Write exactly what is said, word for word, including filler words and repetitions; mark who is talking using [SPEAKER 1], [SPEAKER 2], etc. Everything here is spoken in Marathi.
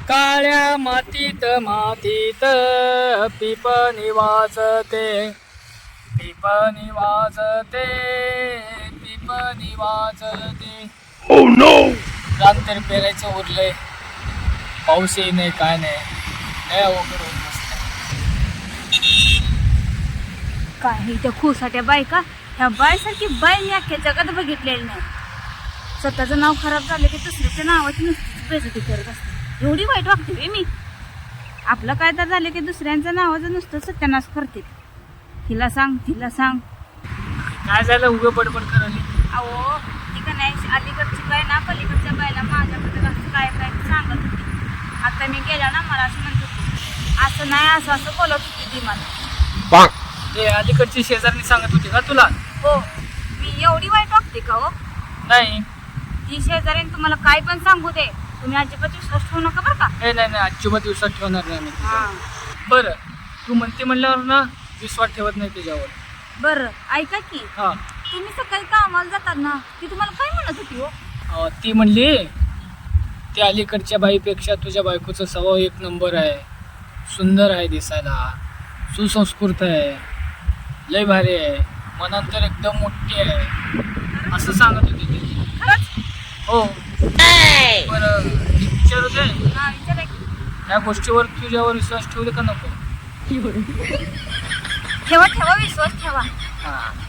[SPEAKER 1] काळ्या मातीत मातीत पिपणी वाजते, पिपणी वाजते, पिपणी वाजते.
[SPEAKER 2] Oh no!
[SPEAKER 1] रान तर पेरायचं उरलंय, पाऊसही नाही काय नाही, लय अवघड होत बसलंय.
[SPEAKER 3] काही त्या खुसाट्या बायका, ह्या बायसारखी बाई मी अख्ख्या जगात बघितलेली नाही. स्वतःचं नाव खराब झालं की दुसऱ्याच्या नावाची नुसतीच बेइज्जती करत असते. एवढी वाईट वागते बे मी. आपलं काय तर झालं की दुसऱ्यांच्या नावाचं नुसतं सत्यानाश करते. तिला सांग तिला सांग.
[SPEAKER 1] काय झालं उभं पडपड करायला?
[SPEAKER 3] अहो ती का नाही अलीकडची बाय ना पलीकडच्या बायला माझ्याबद्दल असं काय काय सांगत होती. आता मी गेला ना मला असं म्हणत होती, असं नाही असं असं बोलत होती ती मला.
[SPEAKER 1] ते अलीकडची शेजारनी सांगत होती का तुला?
[SPEAKER 3] हो, मी एवढी वाईट वागते का हो?
[SPEAKER 1] नाही.
[SPEAKER 3] ती शेजारीन तुम्हाला काय पण सांगू दे, तुम्ही अजिबात विश्वास ठेवू नका बरं का.
[SPEAKER 1] हे नाही नाही अजिबात दिवसात ठेवणार नाही मी
[SPEAKER 3] हा
[SPEAKER 1] तुझ्यावर. बरं तू म्हणते म्हणल्यावर ना विश्वास ठेवत नाही तुझ्यावर.
[SPEAKER 3] बरं ऐका की,
[SPEAKER 1] हा
[SPEAKER 3] तुम्ही सकाळी कामाला जातात ना, ती तुम्हाला काय म्हणत होती हो?
[SPEAKER 1] अं, ती म्हणली त्या अलीकडच्या बाईपेक्षा तुझ्या बायकोचा स्वभाव एक नंबर आहे, सुंदर आहे, दिसायला सुसंस्कृत आहे, लय भारी आहे, मनात तर एकदम मोठी आहे, असं सांगत होती ती.
[SPEAKER 3] खरंच?
[SPEAKER 1] हो. बरं विचारू दे,
[SPEAKER 3] हा विचारा की.
[SPEAKER 1] या गोष्टीवर तुझ्यावर विश्वास ठेवू दे का नको?
[SPEAKER 3] ठेवा ठेवा विश्वास ठेवा.
[SPEAKER 1] हा